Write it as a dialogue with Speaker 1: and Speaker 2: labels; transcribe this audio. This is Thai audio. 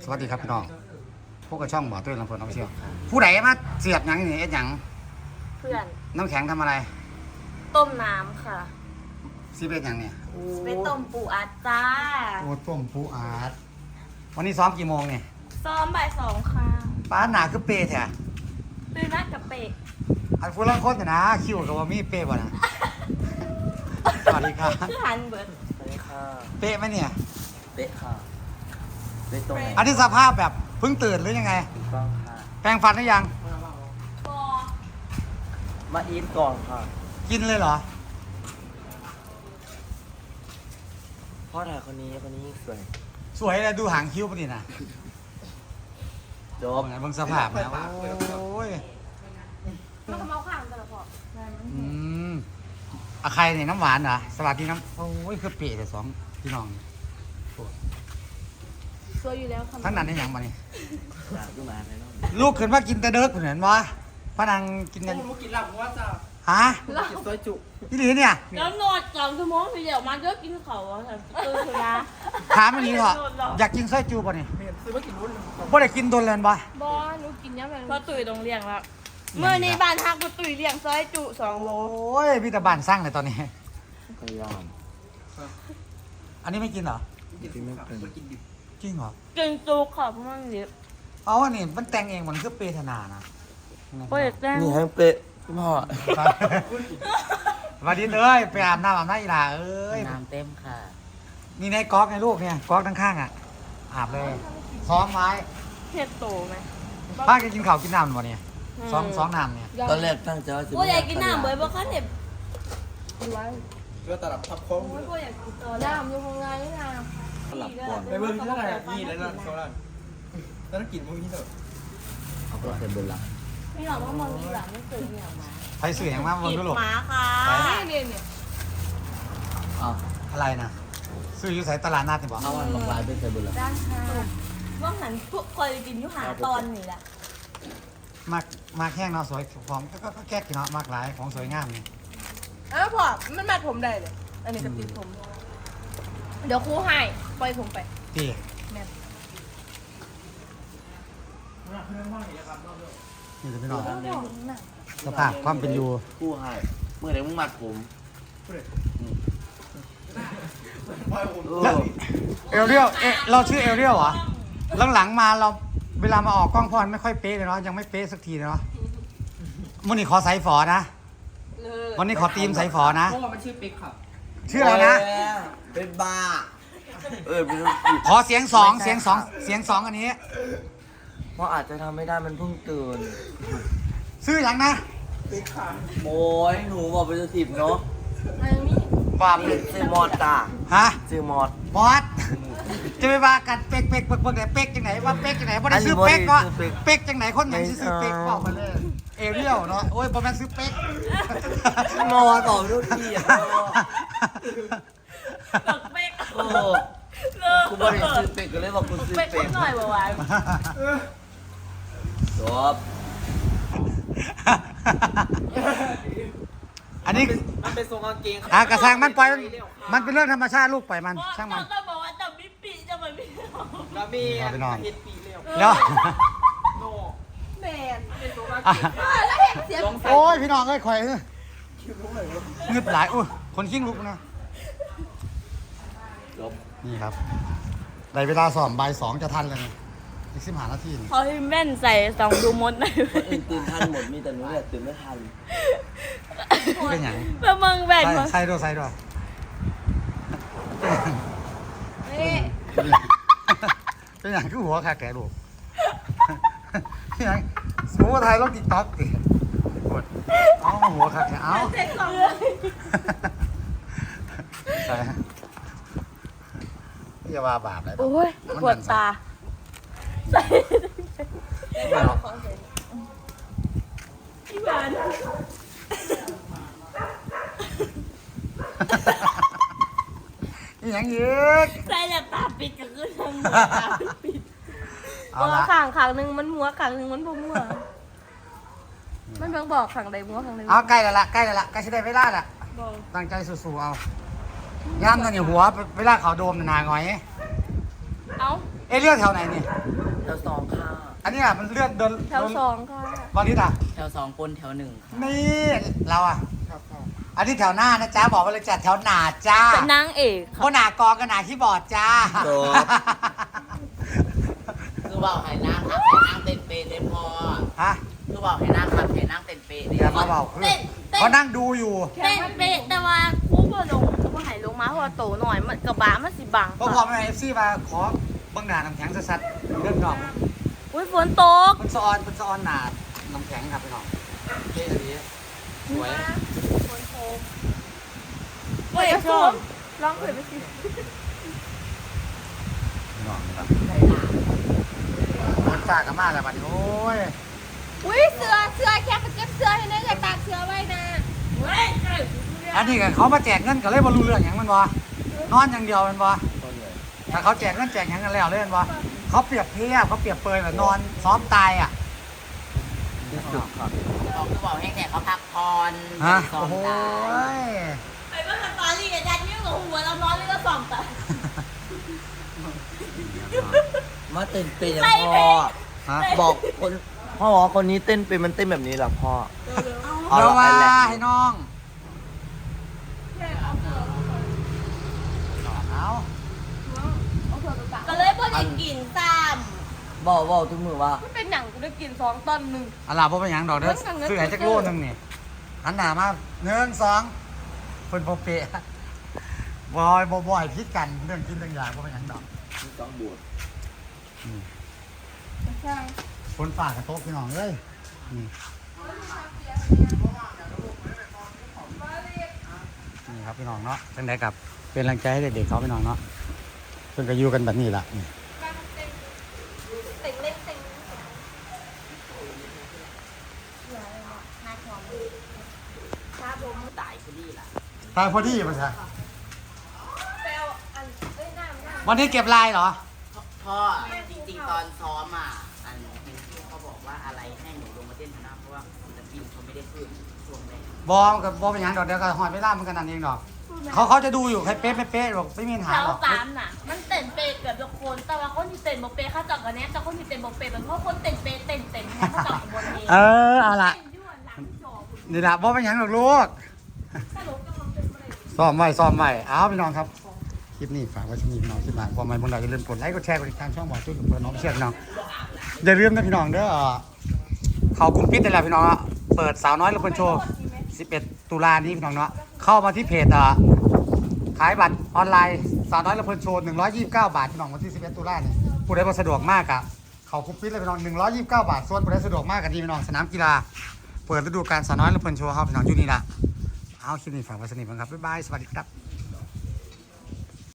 Speaker 1: สวัสดีครับพี่น้องพวกกระช่องบ่อตุ้ยลำเพลินเอาไปเชี่ยวผู้ใดมาเสียบหยังนี่เอ็ดหยัง
Speaker 2: เพื่อน
Speaker 1: น้ำแข็งทำอะไร
Speaker 2: ต้มน้ำค่ะ
Speaker 1: ซีเบ็ดหยังเนี่ย
Speaker 2: ไปต้มปูอัดจ้า
Speaker 1: โอ้ต้มปูอาดวันนี้ซ้อมกี่โมงเนี่ย
Speaker 2: ซ้อมบ่าย2ค่ะ
Speaker 1: ป้าหนาคือเปย์แท้
Speaker 2: ตื่นนัดกับเป็ด
Speaker 1: อันฟูรังโคตรนะคิวกับว่ามีเปย์บ่นะสวัสดีครับ
Speaker 2: คือหันเบิร์ด
Speaker 3: สวัสดีค่ะ
Speaker 1: เป๊ะไหมเนี่ย
Speaker 3: เป๊ะค่ะเป๊ะตรงไหน
Speaker 1: อันนี้สภาพแบบเพิ่งตื่นหรือยังไง
Speaker 3: ถูกต้องค่ะ
Speaker 1: แปรงฟันหรือยัง
Speaker 2: บอ
Speaker 3: มาอีทก่อนค่ะ
Speaker 1: กินเลยเหรอ
Speaker 3: พ่อถ่ายคนนี้สวย
Speaker 1: สวยเลยดูหางคิ้วปะนี่นะ
Speaker 3: จบ
Speaker 1: เบิ่งสภาพนะโอ้ย
Speaker 2: มันก็เมาข้างกันละพอ
Speaker 1: อืมอะใครเนี่ยน้ำหวานเหรอสวัสดีน้ำโอ้ยคือเปย์แต่สองพี่น้อง
Speaker 2: สวยอยู่แล้วค่ะ
Speaker 1: ทั้งนั้นได้หยังมานี่
Speaker 3: อยากดูมาไหนน้อง
Speaker 1: ลูกขึ้นมากินแต่เด็กเหมือนวะพนังกินกัน
Speaker 3: ผมกินหลับว่าจะ
Speaker 1: ฮะ
Speaker 3: กินซอยจุ
Speaker 1: นี่หรือเนี่ย
Speaker 2: แล้วนอน2 ชั่วโมงเดี๋ยวมันก็กินเขาอ่ะตื่นเถอะนะ
Speaker 1: ถามอันนี้เหรออยากกินไส้จูป่ะนี่
Speaker 3: ซื้อมากินรุ่น
Speaker 1: บ่ได้กินโดนเลยปะ
Speaker 2: บอหนูกินยังไงพอตุ๋ยต้องเลี้ยงแล้วเมื่อนี้บ้านฮักกูตุ๋ยเลี้ยงซอยจุ2 โล
Speaker 1: โอ้ยพี่ตาบ้านสร้างเลยตอนนี้
Speaker 3: พยายาม
Speaker 1: อันนี้ไม่กินเหรอ
Speaker 3: กินไม่เป็น
Speaker 1: จริงเหรอ
Speaker 2: กินจุกค่ะเพราะมันเยอะ
Speaker 1: เอาอันนี้มันแต่งเองมันคือเปรตนานะ
Speaker 2: โปรเจกต์แจ้ง
Speaker 3: นี่ให้เป๊ะพี่พ่อ
Speaker 1: สวัสดีเลยไปอาบน้ำอาบน้ำอีหลาเอ้ย
Speaker 3: น้ำเต็มค่ะ
Speaker 1: นี่ในก๊อกไงลูกเนี่ยก๊อกข้างๆอ่ะอาบเลยซ้อมไว้
Speaker 2: เห็ดโตไหม
Speaker 1: ป้าจะกินข้าวกินน้ำหรือเปล่าเนี่ยซ้อมน้ำเนี่ย
Speaker 3: ตอนแรกตั้งใจว่าจะ
Speaker 2: กูอยากกินน้ำเบิร์ดเพราะเขาเห็ด
Speaker 3: เพื่อตลับทับโค้ง
Speaker 2: กูอยากกินตัวน้ำอยู่ข้างในนี่นะ
Speaker 3: ตลับก่อน
Speaker 4: ไปเบิ่งที่เท่าไหร่ยี่แล้วนั่นโซล่าแล้วกินพวกนี้เถอะ
Speaker 3: เอาก็เป็นบนหลัง
Speaker 2: ไม่หรอกว่ามองดีหลังไม่เคยมีออกมา
Speaker 1: ใครสื่ออย่างมากมึง
Speaker 2: กิ
Speaker 1: ดู
Speaker 2: น
Speaker 1: ลูก
Speaker 2: หมาค่ะนี่เนี่ย
Speaker 3: เอา
Speaker 1: อะไรนะซื้ออยู่ใส่ตลาดนัดเนี่ยบอก
Speaker 3: เอาอันบอกลายเป็นใส่บนหลัง
Speaker 2: ด้านค่ะว่าหันพวกคอยกินอยู่หาตอนนี่แหละ
Speaker 1: มากแห้งเนาะสวยของก็แก้กินเนาะมากหลายของสวยงามนี่
Speaker 5: อ้าวพอมันมาผมได้เลย อันนี้ก็ติดผม เดี๋ยวครูให้ปล่อยผมไป
Speaker 1: พี่
Speaker 5: แม่น
Speaker 1: นี่จะพี่น้อง
Speaker 5: เดี๋ยวน่ะ
Speaker 1: สภาพความเป็นอยู่
Speaker 3: คู่ให้เมื่อไหร่มึงมัดผม
Speaker 1: แล้วเอลเรียวเราชื่อเอลเรียวเหรอหลังๆมาเราเวลามาออกกล้องพอนไม่ค่อยเป๊ะเลยเนาะยังไม่เป๊ะสักทีเลยเนาะวันนี้ขอใส่ฝอนะวันนี้ขอทีมใส่ฝอนะ
Speaker 4: เพราะว่ามันชื่อปิ๊กครับ
Speaker 1: ชื่ออะไรนะ
Speaker 3: เป็นบ้าเป็น
Speaker 1: ขอเสียงสองเสียงสองอันนี้
Speaker 3: เพราะอาจจะทำไม่ได้มันเพิ่งตื่น
Speaker 1: ชื่ออย่างนะ
Speaker 3: โอ้ยหนูบอกเป็นสิบเนาะ
Speaker 5: อันนี้
Speaker 1: บาป
Speaker 3: ซื้อมอดจ้า
Speaker 1: ฮะ
Speaker 3: ซื้อมอด
Speaker 1: บอสจะไปว่ากันเป๊กไหนเป๊กจังไหนว่าเป๊กจังไหนบ่ได้ซื้อเป๊กก็เป๊กจังไหนคนไหนซื้อเป๊กบอกมาเลยเอเรียลเนาะโอ้ยบ่แม่นซื้อเป๊ก
Speaker 3: มอดบอกทุกทีอ่ะ
Speaker 2: ตักเป๊ก
Speaker 3: โอ้กูบอกให้ซื้อเป็กก็เลยบอกกูซื้อ
Speaker 2: เป๊ก
Speaker 3: เป็ก
Speaker 2: หน่อยบ่าว
Speaker 3: จบ
Speaker 1: อันนี้
Speaker 4: มันเป็นทรงกางเกง
Speaker 1: กระซังมันปล่อยมันเป็นเรื่องธรรมชาติลูกปล่อยมันช่างมัน
Speaker 2: ก็บอกว่าจะมิปีจะมันมิ
Speaker 4: แล้วมี
Speaker 1: เอาไปนอน
Speaker 4: เฮ็ดปีเร็ว
Speaker 1: แล้ว
Speaker 4: โน่
Speaker 5: แมน
Speaker 4: เป็นทรงกางเกง
Speaker 5: แล้วเห็นเสียง
Speaker 4: ลองใส่
Speaker 1: โอ้ยพี่น้องเอ้ยข่อยเงึบหลายอุ้ยคนขิ้งลุกนะ
Speaker 3: จบ
Speaker 1: นี่ครับได้เวลาสอบบ่ายสองจะทันเลยนี่อีก15 นาทีนี่
Speaker 2: เขาให้แม่นใส่สองดูมดหน่อย
Speaker 3: คนอื่นตื่นทันหมดมีแต่หนูเนี่ยตื่นไม่ทัน
Speaker 1: เป็นอย่าง
Speaker 2: เพื่อมึงแบ่งมึง
Speaker 1: ใส่ด้วย
Speaker 5: นี่
Speaker 1: เป็นอย่างคือหัวขาแก่ลูกเป็นอย่างสมมติว่าไทยลงติ๊กต็อกดิกดเอาหัวขาแก่เอา
Speaker 2: เซ็กสอง
Speaker 1: ใส่อย่าว่าบาปเลย
Speaker 2: โอ้ยปวดตาใส่
Speaker 1: ไม่หรอก
Speaker 2: ที่บ้าน
Speaker 1: นี่อย่างเยอะ
Speaker 2: ใส่แล้วตาปิดก็คือทำตาปิด
Speaker 1: เอา
Speaker 5: หัว
Speaker 1: ละ
Speaker 5: ข่างข้างหนึ่งมันหัวข้างหนึ่งมันบ่มัวมันเพิ่งบอกข้างใดหัวข้างใด
Speaker 1: เอาใกล้แล้วล่ะใกล้จะได้เวลาละ
Speaker 2: บอก
Speaker 1: ตั้งใจสู้ๆเอาย่ำนั่นอยู่หัวเวลาเขาโดมหนาหงอย
Speaker 5: เอ้า
Speaker 1: เเรื่องแถวไหนนี่
Speaker 3: แถวสองค่ะ
Speaker 1: อันนี้อ่ะมันเลื่อนเดิน
Speaker 2: แถวสองค่ะ
Speaker 1: วันนี้อ่ะ
Speaker 3: แถวสองปนแถวหนึ่งค่ะ
Speaker 1: นี่เราอ่ะอันนี้แถวหน้านะจ๊ะบอกไปเลยจัดแถวหน้าจ้า
Speaker 2: เป็นนางเอก
Speaker 1: เพราะหน้ากองกับหน้าคีย์บอร์ดจ้า
Speaker 3: คือบอกให้นั่งครับให้นั่งเต้นเปย์เต้นพอ
Speaker 1: ฮะ
Speaker 3: คือบอกให้นั่งครับให้นั่งเต้นเปย์
Speaker 1: เดี๋ยวมาบอกคือเขานั่งดูอยู่
Speaker 2: เต้นเป๊ะแต่ว่าครูบ่ลงครูบ่ให้ลงมาเพราะว่าโตหน่อยมันกระบะมันสิบัง
Speaker 1: ก็พอไม่เอฟซีมาขอบังหนาน้ำแข็งสัดๆเรื่องนอก
Speaker 2: อุ้ยฝนตก
Speaker 1: มันสะออนหนาน้ำแข็งครับพี่น้องเท่ดีสวย
Speaker 2: เฮ้ยชมร้องเพลงไปสิ
Speaker 1: พี่น้องครับคนฝากกันมากเลยบัดนี้โอ้ย
Speaker 5: อุ้ยเสื้อแค่ไปเก็บเสื้อให้นะอย่าตากเสื้อไว้นะ
Speaker 1: อันนี้ก็เขามาแจกเงินก็เลยบรรลุเรื่องอย่างมันวะนอนอย่างเดียวมันวะถ้าเขาแจกเงินแจกอย่างกันแล้วเล่นวะเขาเปรียบเทียบเขาเปรียบเปรยแบบนอนซ้อมตายอ่ะ
Speaker 3: บอกคือบอกให้แขกเขาพักผ่อน
Speaker 1: ฮะ
Speaker 3: ซ้อ
Speaker 1: โอ้
Speaker 3: ม
Speaker 1: โห
Speaker 3: ได้
Speaker 2: ไปเมื่อตอนนี้กับยันยิ้มกับหัวเราร้อนเลยก็ส่องแต่
Speaker 3: มาเต้นเปย์อย่างพ่อ
Speaker 1: ฮะ
Speaker 3: บอกคนพ่อบอกว่าคนนี้เต้นเป็นมันเต้นแบบนี้เหรอพ่อ
Speaker 1: เดี๋ยวมา
Speaker 3: เอาละ
Speaker 1: ให้น้องเอา
Speaker 2: ก็เลยบ่ได้กินซ้
Speaker 3: บอกทุกมือว่า
Speaker 5: มันเป็นหนังกูได้กิน2 ตอนหนึ่ง
Speaker 1: อะไรพวกเป็นหยังดอกเด้อซื้อไอ้จักรโลนึงนี่อันหนามา1 2คนโปเปะบอยพิษกันเรื่องกินเรื่องอย่างพวกเป็นหยังดอก
Speaker 3: ต้องบวช
Speaker 5: ใช่
Speaker 1: คนฝากกับโต๊ะพี่น้องเอ้ยนี่นี่ครับพี่น้องเนาะจังไดกับเป็นแรงใจให้เด็กๆเขาพี่น้องเนาะเพิ่นก็อยู่กันแบบนี้ล่ะนี่
Speaker 5: เต็งเล็กเต็ง
Speaker 3: ตายคนนี้ล่ะ
Speaker 1: ตายพอดีป่ะจ๊ะ
Speaker 5: ไปเอาอันเอ้ยน้ำ
Speaker 1: วันนี้เก็บลายเหรอ
Speaker 3: พ่อจริงๆตอนซ้อมอ่ะอันเป็นที่เขาบอกว่าอะไรให้หนูลงมาเต้นคณะเพราะว่าศิลปินเขาไม่ได้ขึ้นช่วงแรก
Speaker 1: บอมกับบอมเป็นหยังดอกเดียวก็หอยไม่ล่ามันกันนั่นเองดอกเขาจะดูอยู่ใครเป๊ะไม่เป๊ะหรอกไม่มีปัญ
Speaker 2: ำ
Speaker 1: หา
Speaker 2: แถว
Speaker 1: หรอก
Speaker 2: สามน่ะ มันเต้นเป๊ะเกือบทุกคน แต่ว่าคนที่เต้นบ่เป๊ะเขาจับกันแน่แต่คนที่เต้นบ่เป๊ะเป็นเพราะคนเต้นเป๊ะเต้นให้เขาจับบนเอง
Speaker 1: เอาละ
Speaker 2: เต้นยั่วหลังจอคุณ
Speaker 1: นี่ละบอมเป็นหยังหรอกลูก
Speaker 2: สรุปกำลังเป็นอะไร
Speaker 1: ซ้อมไว้เอาพี่น้องครับคลิปนี้ฝากไว้ที่นี่พี่น้องคลิปหน้าความหมายบนเราอย่าลืมกดไลค์กดแชร์กดติดตามช่องบอกจุดกับเพื่อนน้องเชื่อพี่น้องอย่าลืมนะพี่น้องเด้อเขากลุ่มปิดได้แล้วพี่น้องอะเปิดสาวน้อยละคนโชว์11 ตุลานี้พี่น้องเนาะเข้ามาที่เพจขายบัตรออนไลน์สาวน้อยละคนโชว์129 บาทพี่น้องวันที่ 11 ตุลานี่ผู้ใดบ่สะดวกมากอะเขากลุ่มปิดเลยพี่น้อง129 บาทส่วนผู้ใดสะดวกมากกันดีพี่น้องสนามกีฬาเปิดฤดูกาลสาวน้อยละคนโชว์ครับพี่น้องอยู่นี่ละเอาคลิปนี้ฝากไว้สนิทบ้างครับบ๊ายบายสวัสดีครับ